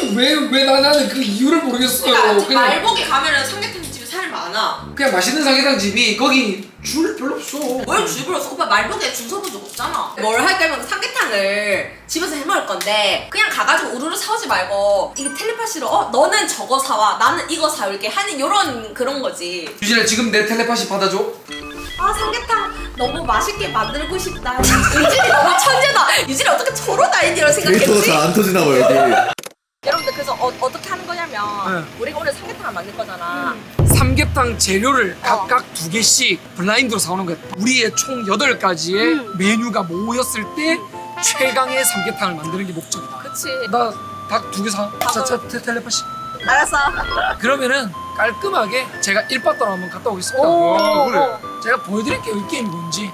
왜 나는 그 이유를 모르겠어요. 그러니까 그냥 말복에 가면은 삼계탕 집에 사람이 많아. 그냥 맛있는 삼계탕 집이 거기 줄 별로 없어. 뭘 줄을 없어? 오빠 말복에 줄 서본 적 없잖아. 뭘 할 거면 삼계탕을 집에서 해 먹을 건데 그냥 가가지고 우르르 사오지 말고 이게 텔레파시로 너는 저거 사와 나는 이거 사올게 하는 요런 그런 거지. 유진아 지금 내 텔레파시 받아줘. 아 삼계탕 너무 맛있게 만들고 싶다. 유진이 너무 천재다. 유진이 어떻게 저런 아이디어를 데이터가 생각했지? 잘 안 터지나 봐요 여기. 여러분들 그래서 어떻게 하는 거냐면 우리가 오늘 삼계탕을 만들 거잖아. 삼계탕 재료를 각각 2개씩 블라인드로 사오는 거야. 우리의 총 8가지의 메뉴가 모였을 때 최강의 삼계탕을 만드는 게 목적이다. 그치. 나 닭 2개 사. 자, 텔레파시. 알았어. 그러면은 깔끔하게 제가 1바따로 한번 갔다 오겠습니다. 그래. 제가 보여드릴게요 이 게임이 뭔지.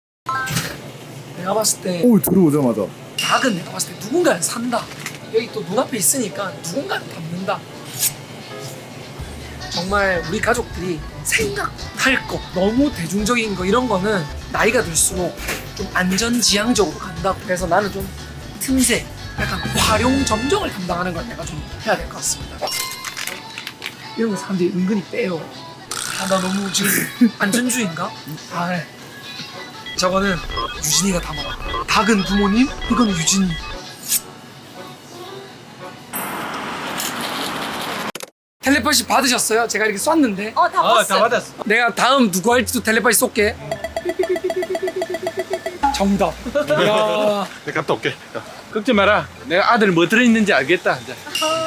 내가 봤을 때 오 들어오자마자. 닭은 내가 봤을 때 누군가를 산다. 여기 또 눈앞에 있으니까 누군가를 담는다. 정말 우리 가족들이 생각할 거 너무 대중적인 거 이런 거는 나이가 들수록 좀 안전지향적으로 간다. 그래서 나는 좀 틈새 약간 활용 점정을 담당하는 걸 내가 좀 해야 될 것 같습니다. 이런 거 사람들이 은근히 빼요. 아, 나 너무 지금 안전주의인가? 아 그래. 저거는 유진이가 담아라. 닭은 부모님, 이건 유진이. 텔레파시 받으셨어요? 제가 이렇게 쐈는데 다 봤어. 다 받았어. 내가 다음 누구 할지도 텔레파시 쏠게. 정답. 이야. 내가 갔다 올게. 걱정 마라. 내가 아들 뭐 들어있는지 알겠다. 이제.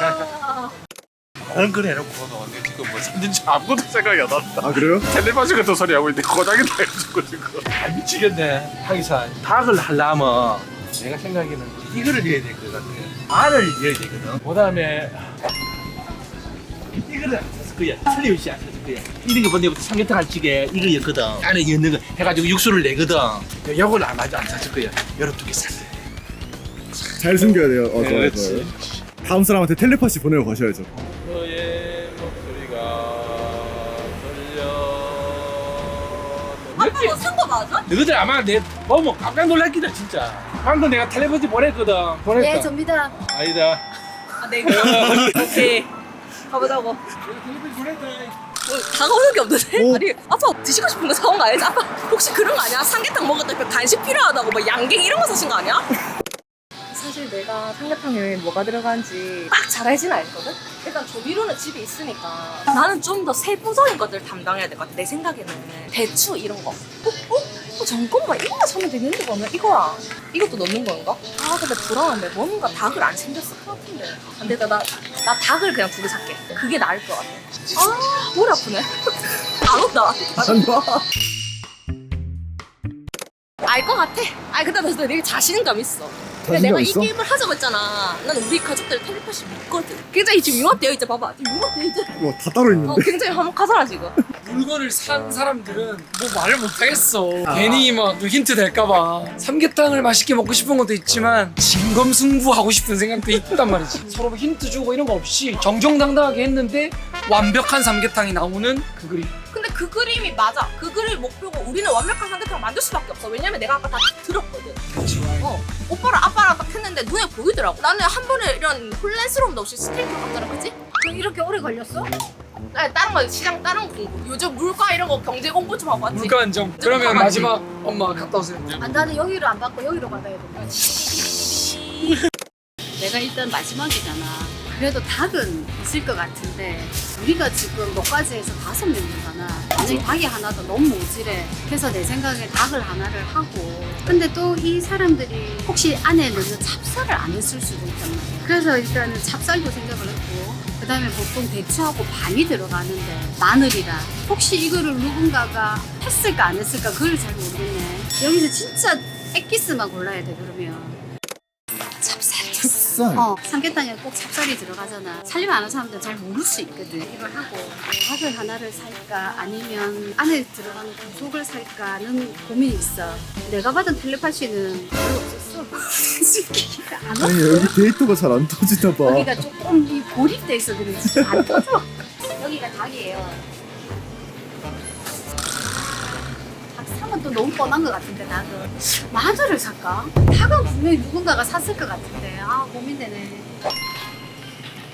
그런 걸 해놓고 내가 지금 뭐 샀는지 아무것도 생각이 안 난다. 아 그래요? 텔레파시 같은 소리 하고 있는데 고장이다 해가지고 지금. 아 미치겠네. 하기사 닭을 하려면 내가 생각에는 이거를 넣어야 될 것 같아. 알을 넣어야 되거든. 그 다음에 이거를 안 샀을 거야. 틀림없이 안 샀을 거야. 이런 거 보내부터 삼계탕 할 적에 이거였거든. 안에 넣는 거 해가지고 육수를 내거든. 이걸 아마도 안 샀을 거야. 여러 2개 샀어요. 잘 숨겨야 돼요. 좋아요 그렇지. 좋아요. 다음 사람한테 텔레파시 보내고 가셔야죠. 너의 목소리가 들려. 아빠 뭐 산 거 맞아? 너희들 아마 내 보면 깜짝 놀랐겠다 진짜. 방금 내가 텔레파시 보냈거든. 보냈다. 네 접니다. 아니다. 아 내가 오케이 가보자고. 텔레파시 보냈다. 다가오는 게 없는데? 오. 아니 아빠 드시고 싶은 거 사온 거 아니지? 아빠 혹시 그런 거 아니야? 삼계탕 먹었다 그 간식 필요하다고 뭐 양갱 이런 거 사신 거 아니야? 사실 내가 삼계탕에 뭐가 들어가는지 딱 잘 알지는 않거든? 일단 조미료는 집에 있으니까 나는 좀 더 세부적인 것들 담당해야 될 것 같아. 내 생각에는 대추 이런 거. 잠깐만 이거만 사면 되는데 그러면 이거랑 이것도 넣는 건가? 아 근데 불안한데 뭔가 닭을 안 챙겼을 것 같은데 안 되겠다. 나 닭을 그냥 2개 살게. 그게 나을 것 같아. 아 머리 아프네. 안 온다. 안 봐. 알 것 같아. 아 근데 나 되게 자신감 있어. 근데 자신감 내가 있어? 이 게임을 하자고 했잖아. 난 우리 가족들 텔레파시 믿거든. 굉장히 지금 융합되어 있지. 봐봐. 지금 융합되어 있지. 와다 따로 있는데. 굉장히 화목하잖아 지금. 물건을 산 사람들은 뭐 말을 못하겠어. 괜히 막 힌트 될까봐. 삼계탕을 맛있게 먹고 싶은 것도 있지만 진검승부하고 싶은 생각도 있단 말이지. 서로 힌트 주고 이런 거 없이 정정당당하게 했는데 완벽한 삼계탕이 나오는 그 그림. 근데 그 그림이 맞아. 그 그림이 목표고 우리는 완벽한 삼계탕을 만들 수밖에 없어. 왜냐면 내가 아까 다 들었거든. 오빠랑 아빠랑 딱 했는데 눈에 보이더라고. 나는 한 번에 이런 혼란스러움도 없이 스테이크 갔더라, 그치? 이렇게 오래 걸렸어? 아니, 다른 거 시장 다른 공부. 요즘 물가 이런 거 경제 공부 좀 하고 왔지. 물가 안정. 그러면 마지막 엄마 갔다 오세요. 아, 나는 여기로 안 받고 여기로 받아야 돼. 내가 일단 마지막이잖아. 그래도 닭은 있을 것 같은데 우리가 지금 너까지 해서 5명이잖아. 만약에 닭이 하나 더 너무 모질해. 그래서 내 생각에 닭을 하나를 하고 근데 또 이 사람들이 혹시 안에 넣는 찹쌀을 안 했을 수도 있단 말이야. 그래서 일단은 찹쌀도 생각을 했고 그 다음에 보통 대추하고 밤이 들어가는데 마늘이라 혹시 이거를 누군가가 했을까 안 했을까 그걸 잘 모르겠네. 여기서 진짜 엑기스만 골라야 돼 그러면. 찹쌀이 찹쌀. 삼계탕에 꼭 찹쌀이 들어가잖아. 살림 안 하는 사람들은 잘 모를 수 있거든. 이걸 하고 밥을 하나를 살까 아니면 안에 들어가는 구속을 살까는 고민이 있어. 내가 받은 텔레파시는 별로 없었어. 안 아니 왔어. 여기 데이터가 잘 안 터지나 봐. 여기가 조금 이 고립돼 있어 그런지 안 터져. 여기가 닭이에요. 닭 사면 또 너무 뻔한 것 같은데 닭은 마늘을 살까? 닭은 분명히 누군가가 샀을 것 같은데 아 고민되네.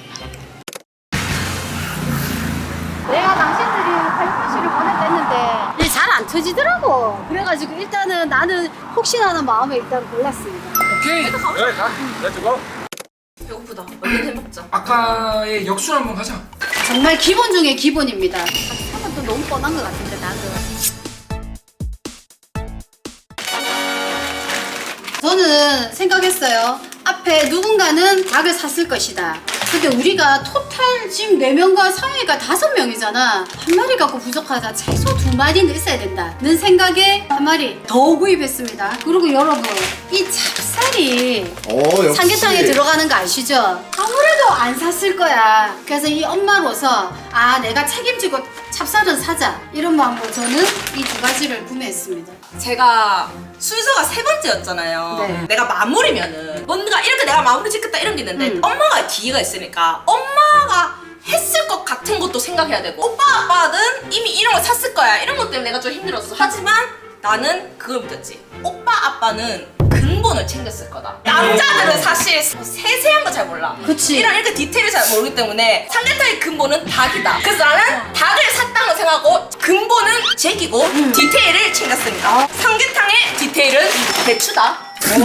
맞춰지더라고. 그래가지고 일단은 나는 혹시나 하는 마음에 일단 골랐습니다. 오케이. 여기 가. 렛츠고. 배고프다. 얼른 해먹자. 아까의 역술 한번 가자. 정말 기본 중에 기본입니다. 하면 또 너무 뻔한 것 같은데 닭은. 저는 생각했어요. 앞에 누군가는 닭을 샀을 것이다. 근데 우리가 토탈 지금 4명과 상혜가 5명이잖아. 한 마리 갖고 부족하다. 최소 2마리는 있어야 된다는 생각에 한 마리 더 구입했습니다. 그리고 여러분, 이 찹쌀이 역시. 삼계탕에 들어가는 거 아시죠? 아무래도 안 샀을 거야. 그래서 이 엄마로서 내가 책임지고 찹쌀은 사자 이런 마음으로 저는 이 2가지를 구매했습니다. 제가 순서가 3번째였잖아요. 네. 내가 마무리면은 뭔가 이렇게 내가 마무리 짓겠다 이런 게 있는데 엄마가 기회가 있으니까 엄마가 했을 것 같은 것도 생각해야 되고 오빠 아빠는 이미 이런 거 샀을 거야 이런 것 때문에 내가 좀 힘들었어. 하지만 나는 그걸 믿었지. 오빠 아빠는 근본을 챙겼을 거다. 남자들은 사실 세세한 거 잘 몰라. 그치. 이렇게 디테일을 잘 모르기 때문에 삼계탕의 근본은 닭이다. 그래서 나는 닭을 샀다는 걸 생각하고 근본은 제기고 디테일을 챙겼습니다. 삼계탕의 디테일은 배추다.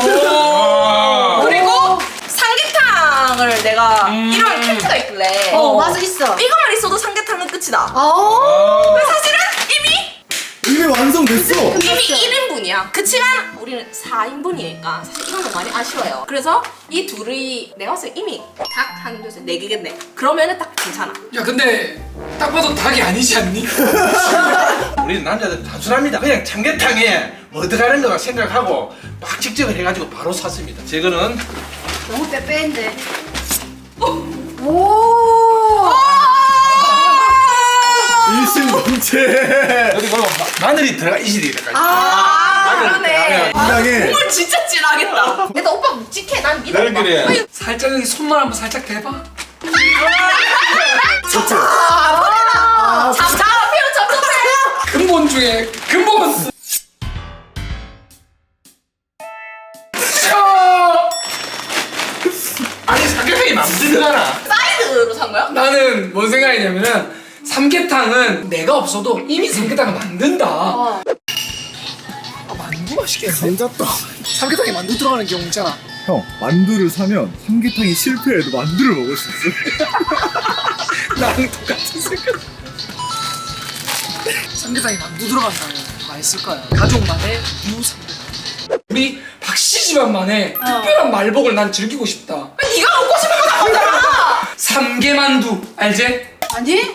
그리고 삼계탕을 내가 이런 캔트가 있길래 맞아 있어. 이거만 있어도 삼계탕은 끝이다. 어. 사실은 이미 완성됐어. 이미 1인분이야. 그치만 우리는 4인분이니까 사실 이거는 많이 아쉬워요. 그래서 이 둘이 내가 봤을 때 이미 닭 한 둘 셋 4개겠네. 그러면은 딱 괜찮아. 야 근데 딱 봐도 닭이 아니지 않니? 우리는 남자들 단순합니다. 그냥 삼계탕에 뭐 들어가는 거 생각하고 막 직접을 해가지고 바로 샀습니다. 제거는 너무 빼빼인데. 오. 일심동체. 여기 보면 마늘이 들어가 있어야 돼. 그러네. 이상해. 국물 진짜 진하겠다. 근데 오빠 묵직해. 난 믿어. 그래. 살짝 여기 손만 한번 살짝 대봐. 그렇죠. 잡잡해. 근본 중에 근본. 아니 삼계탕이 만들잖아. 사이드로 산 거야? 나는 뭔 생각이냐면은 삼계탕은 내가 없어도 이미 삼계탕을 만든다. 만두 맛있겠네. 감자떡. 삼계탕에 만두 들어가는 경우 있잖아. 형, 만두를 사면 삼계탕이 실패해도 만두를 먹을 수 있어. 나랑 똑같은 생각. 삼계탕에 만두 들어간다면 맛있을 거야. 가족만의 유삼계탕. 우리 박씨 집안만의 특별한 말복을 난 즐기고 싶다. 네가 먹고 싶은 거 다 먹잖아. 삼계만두 알지? 아니?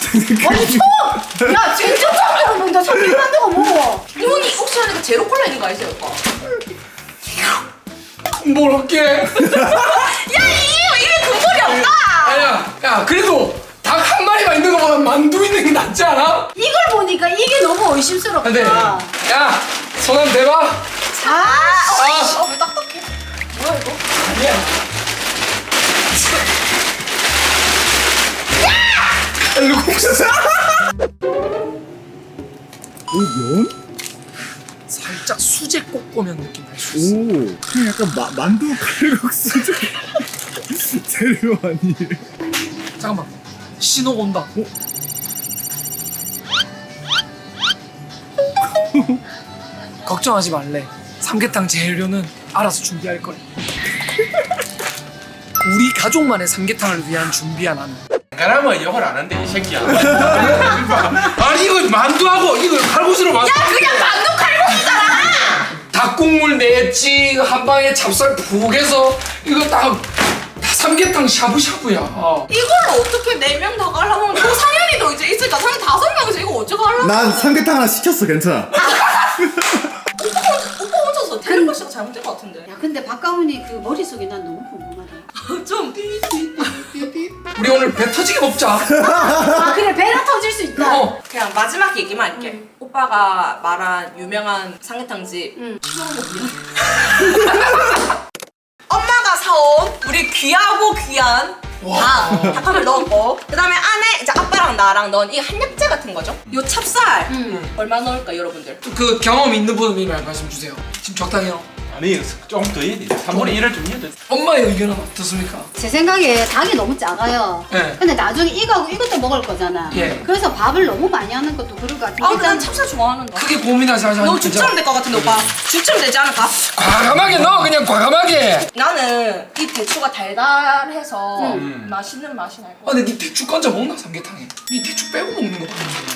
야 진짜 처음 먹는다. 삼계만두가 뭐? 이분이 혹시 하니까 제로 콜라 있는 거 알지 오빠? 뭘 할게? 야 이게 근본이 없다. 아니야. 야 그래도 닭 한 마리만 있는 거보다 만두 있는 게 낫지 않아? 이걸 보니까 이게 너무 의심스럽다. 근데 야 손 한번 대봐. 왜 딱딱해? 뭐야 이거? 아니야. 오, 면? 살짝 수제 꼬꼬면 느낌 날 수 있어. 오, 그냥 약간 만두 칼국수 재료 아니에요? 잠깐만. 신호 온다. 걱정하지 말래. 삼계탕 재료는 알아서 준비할 거야. 우리 가족만의 삼계탕을 위한 준비한 안. 그러면 욕을 안 한대 이 새끼야. 아니 이거 만두하고 이거 칼국수로 만두. 그냥 만두 칼국수잖아. 닭국물 냈지 한 방에 찹쌀 푹 해서 이거 다 삼계탕 샤브샤브야. 이걸로 어떻게 4명 다 가려면 또 상현이도 이제 있으니까 상현 5명이서 이거 어쩌고 하려고. 난 삼계탕 하나 시켰어, 괜찮아. 오빠 혼자서 텔레파시가 잘못된 것 같은데. 야 근데 박가문이 그 머릿속이 난 너무 궁금하다. 좀 우리 오늘 배 터지게 먹자. 아 그래 배가 터질 수 있다. 그냥 마지막 얘기만 할게. 오빠가 말한 유명한 삼계탕집 엄마가 사온 우리 귀하고 귀한 닭함을 넣었고 그 다음에 안에 이제 아빠랑 나랑 넣은 이 한약재 같은 거죠. 요 찹쌀 얼마 넣을까 여러분들? 그 경험 있는 분이 말씀 주세요. 지금 적당해요. 아니 조금 더 해야 돼. 3분의 1을 좀 해야 돼. 엄마의 의견은 어떻습니까? 제 생각에 닭이 너무 작아요. 네. 근데 나중에 이거하고 이것도 먹을 거잖아. 예. 그래서 밥을 너무 많이 하는 것도 그럴 것 같은데. 아, 난 찹쌀 좋아하는데. 크게 고민하지 말자. 너 죽처럼 될 것 같은데 오빠. 죽처럼 되지 않을까? 과감하게 넣어 그냥 과감하게. 나는 이 대추가 달달해서 맛있는 맛이 날 것 같아. 근데 니 대추 건져 먹나 삼계탕에? 니 대추 빼고 먹는 거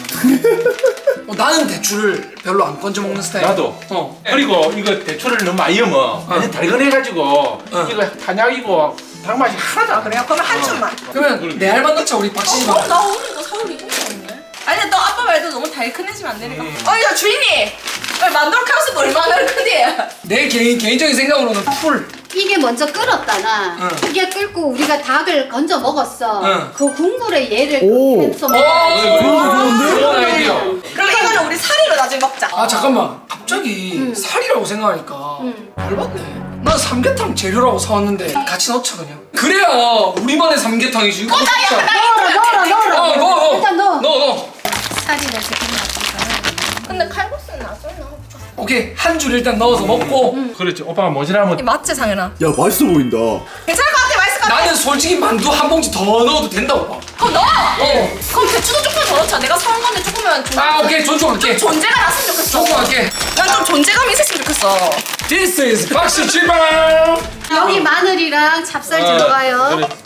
같은데. 나는 대추를 별로 안 건져 먹는 스타일. 나도. 그리고 이거 대추를 너무 많이 넣으면 완전 달근해가지고 이거 한약이고 닭 맛이 하나도 안 그래. 그래요? 그러면 한 줌만. 그러면 내 알만 넣자 우리 박씨지 마. 나 오늘 이거 서울 이긴 거 없네. 아니 근데 또 아빠 말도 너무 달큰해지면 안 되니까. 야 주인이! 만두를 카우스가 얼마나 큰데? 내 개인적인 생각으로는 풀. 이게 먼저 끓었다나 응. 이게 끓고 우리가 닭을 건져 먹었어. 응. 그 국물에 얘를 오. 해서 먹어야지. 좋은 아이디어. 그럼 이거는 우리 사리로 나중에 먹자. 아 잠깐만. 갑자기 살이라고 생각하니까 열받네. 난 삼계탕 재료라고 사왔는데 같이 넣자 그냥. 그래야 우리만의 삼계탕이지. 이거 진짜. 넣어라. 넣어. 일단 넣어. 넣어. 살이를 지금 넣어. 근데 칼국수는 낯설나? 오케이 한 줄 일단 넣어서 먹고. 그렇지. 오빠가 모자라면 맞지 상현아? 야 맛있어 보인다. 괜찮을 것 같아 맛있을 것 같아. 나는 솔직히 만두 한 봉지 더 넣어도 된다고 봐. 그럼 넣어! 어. 그럼 대추도 조금 더 넣자. 내가 사온 건데 조금만 아 오케이 존중할게. 존재가 났으면 좋겠어. 존중할게. 난 좀 존재감이 있었으면 좋겠어. This is 박씨 출발. 여기 마늘이랑 찹쌀 아, 들어가요. 그래.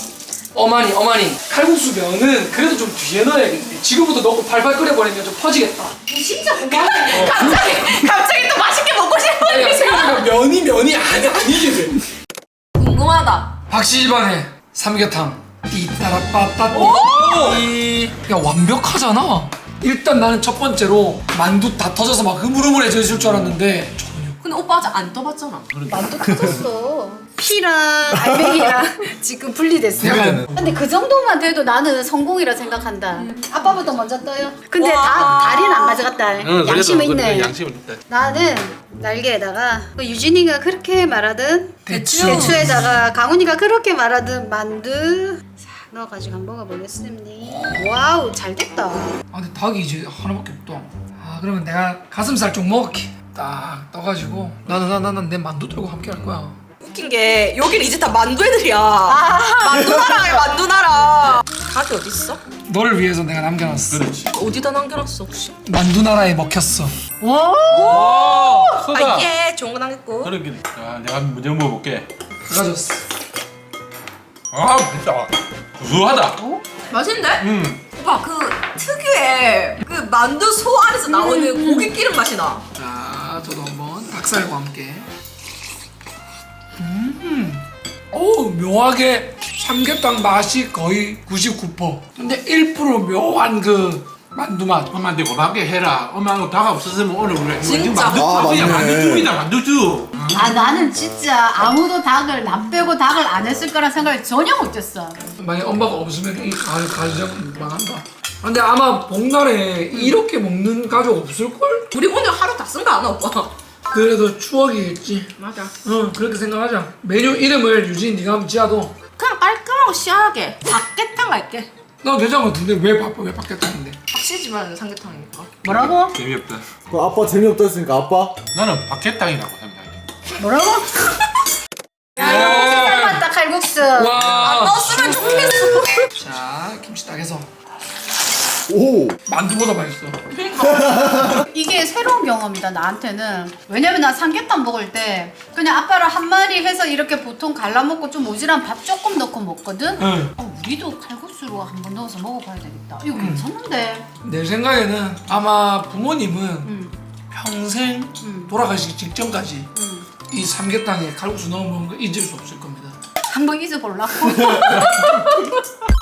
어머니 칼국수 면은 그래도 좀 뒤에 넣어야겠네. 지금부터 넣고 팔팔 끓여버리면 좀 퍼지겠다. 진짜 고마워. 갑자기 또 맛있게 먹고 아니 싶어. 생각해보면 면이 아니게 돼. 궁금하다. 박씨 집안의 삼계탕 띠따라빠따 띠. 야 완벽하잖아. 일단 나는 첫 번째로 만두 다 터져서 막 흐물흐물해져 있을 줄 알았는데 전혀. 근데 오빠 아직 안 떠봤잖아. 만두 터졌어. 피랑 알맹이랑 지금 분리됐어. 약간 근데 그 정도만 돼도 나는 성공이라 생각한다. 아빠부터 먼저 떠요. 근데 와. 다리는 안 가져갔다. 양심은 있네. 양심은 있다. 나는 날개에다가 그 유진이가 그렇게 말하던 대추. 대추에다가 강훈이가 그렇게 말하던 만두 싹 넣어가지고 한번 먹어보겠습니다. 와우 잘 됐다. 아 근데 닭이 이제 하나밖에 없다. 아 그러면 내가 가슴살 좀 먹을게. 딱 떠가지고 나는 내 만두 들고 함께 할 거야. 웃긴 게 여기는 이제 다 만두 애들이야. 만두나라야 만두나라. 닭이 어디 있어? 너를 위해서 내가 남겨놨어. 그렇지. 어디다 남겨놨어 혹시? 만두나라에 먹혔어. 오, 크다. 예 좋은 거 남겼고. 그러게. 자, 내가 먼저 먹어볼게. 가졌어. 아, 맛있다. 구수하다. 맛있는데? 오빠 그 특유의 그 만두 소 안에서 나오는 고기 기름 맛이 나. 자, 저도 한번 닭살과 함께. 오, 묘하게 삼계탕 맛이 거의 99%. 근데 1% 묘한 그 만두 맛. 엄마한테 고맙게 해라. 엄마하고 닭 없었으면 오늘 우리 진짜? 맞네. 만두야. 만두죽이다 만두죽. 아 나는 진짜 아무도 닭을 나 빼고 닭을 안 했을 거란 생각을 전혀 못했어. 만약 엄마가 없으면 이 가정 망한다. 근데 아마 복날에 이렇게 먹는 가족 없을걸? 우리 오늘 하루 다 쓴 거 아나 오빠? 그래도 추억이겠지. 맞아. 응, 그렇게 생각하자. 메뉴 이름을 유진 네가 한번 지어도. 그냥 깔끔하고 시원하게 닭게탕 할게. 나 되잖아. 근데 왜 바뀌었다는데? 박씨집안 삼계탕이니까. 뭐라고? 재미없다. 그 아빠 재미없다 했으니까 아빠? 나는 박해탕이라고 생각해. 뭐라고? 삶았다 칼국수. 와. 넣었으면 좋겠어. 자, 김치 딱 해서. 오. 만두보다 맛있어. 이게 새로운 경험이다 나한테는. 왜냐면 나 삼계탕 먹을 때 그냥 아빠랑 한 마리 해서 이렇게 보통 갈라먹고 좀 모자란 밥 조금 넣고 먹거든. 응. 우리도 칼국수로 한번 넣어서 먹어봐야 되겠다. 이거 괜찮은데. 내 생각에는 아마 부모님은 평생 돌아가시기 직전까지 이 삼계탕에 칼국수 넣어 먹은 거 잊을 수 없을 겁니다. 한번 잊어보려고.